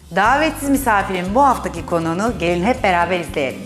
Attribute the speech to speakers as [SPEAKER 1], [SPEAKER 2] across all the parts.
[SPEAKER 1] Davetsiz misafirin bu haftaki konuğunu gelin hep beraber izleyelim.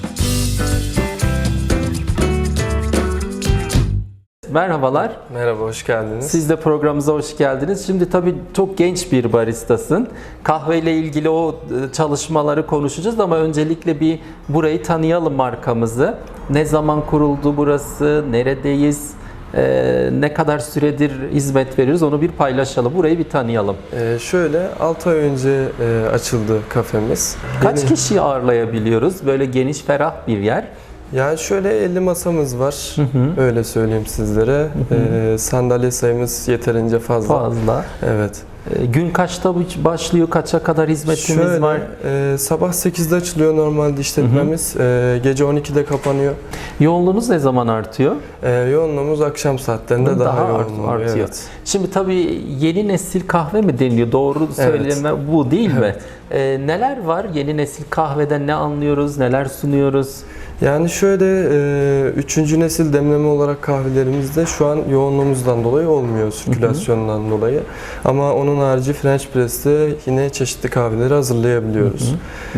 [SPEAKER 2] Merhabalar.
[SPEAKER 3] Merhaba, hoş geldiniz.
[SPEAKER 2] Siz de programımıza hoş geldiniz. Şimdi tabii çok genç bir baristasın. Kahveyle ilgili o çalışmaları konuşacağız ama öncelikle bir burayı tanıyalım, markamızı. Ne zaman kuruldu burası, neredeyiz, ne kadar süredir hizmet veriyoruz onu bir paylaşalım. Burayı bir tanıyalım.
[SPEAKER 3] Şöyle 6 ay önce açıldı kafemiz.
[SPEAKER 2] Kaç kişiyi ağırlayabiliyoruz? Böyle geniş, ferah bir yer.
[SPEAKER 3] Yani şöyle 50 masamız var, öyle söyleyeyim sizlere. Sandalye sayımız yeterince fazla.
[SPEAKER 2] Fazla.
[SPEAKER 3] Evet.
[SPEAKER 2] Gün kaçta başlıyor, kaça kadar hizmetimiz
[SPEAKER 3] Şöyle,
[SPEAKER 2] var?
[SPEAKER 3] sabah 8'de açılıyor normalde işletmemiz, gece 12'de kapanıyor.
[SPEAKER 2] Yoğunluğunuz ne zaman artıyor?
[SPEAKER 3] Yoğunluğumuz akşam saatlerinde daha yoğun oluyor.
[SPEAKER 2] artıyor.
[SPEAKER 3] Evet.
[SPEAKER 2] Şimdi tabii yeni nesil kahve mi deniliyor? Doğru söyleme bu değil mi? Neler var? Yeni nesil kahveden ne anlıyoruz? Neler sunuyoruz?
[SPEAKER 3] Yani şöyle 3. nesil demleme olarak kahvelerimizde şu an yoğunluğumuzdan dolayı olmuyor, sirkülasyondan dolayı. Ama onun harici French Press'te yine çeşitli kahveleri hazırlayabiliyoruz.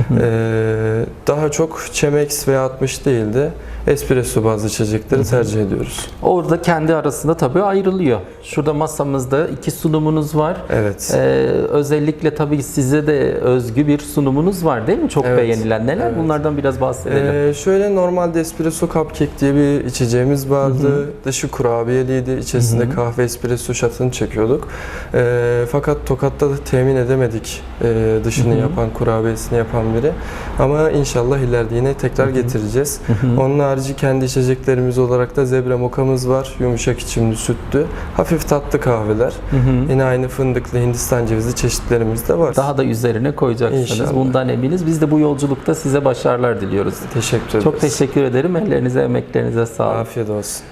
[SPEAKER 3] Daha çok Chemex ve 60 değil de espresso bazlı içecekleri tercih ediyoruz.
[SPEAKER 2] Orada kendi arasında tabii ayrılıyor. Şurada masamızda 2 sunumunuz var.
[SPEAKER 3] Evet.
[SPEAKER 2] Özellikle tabii size de özgü bir sunumunuz var değil mi? Çok
[SPEAKER 3] Evet.
[SPEAKER 2] beğenilen. Neler? Bunlardan biraz bahsedelim.
[SPEAKER 3] Şöyle normalde espresso cupcake diye bir içeceğimiz vardı. Dışı kurabiyeliydi. İçerisinde kahve espresso shot'ını çekiyorduk. Fakat Tokat'ta da temin edemedik dışını yapan, kurabiyesini yapan biri. Ama inşallah ileride yine tekrar getireceğiz. Onun harici kendi içeceklerimiz olarak da zebra mokamız var. Yumuşak içimli, sütlü. Hafif tatlı kahveler. Yine aynı fındıklı, Hindistan cevizli çeşitlerimiz de var.
[SPEAKER 2] Daha da üzerine koyacaksınız.
[SPEAKER 3] İnşallah.
[SPEAKER 2] Bundan eminiz. Biz de bu yolculukta size başarılar diliyoruz.
[SPEAKER 3] Teşekkür ederiz.
[SPEAKER 2] Çok teşekkür ederim. Ellerinize, emeklerinize sağlık.
[SPEAKER 3] Afiyet olsun.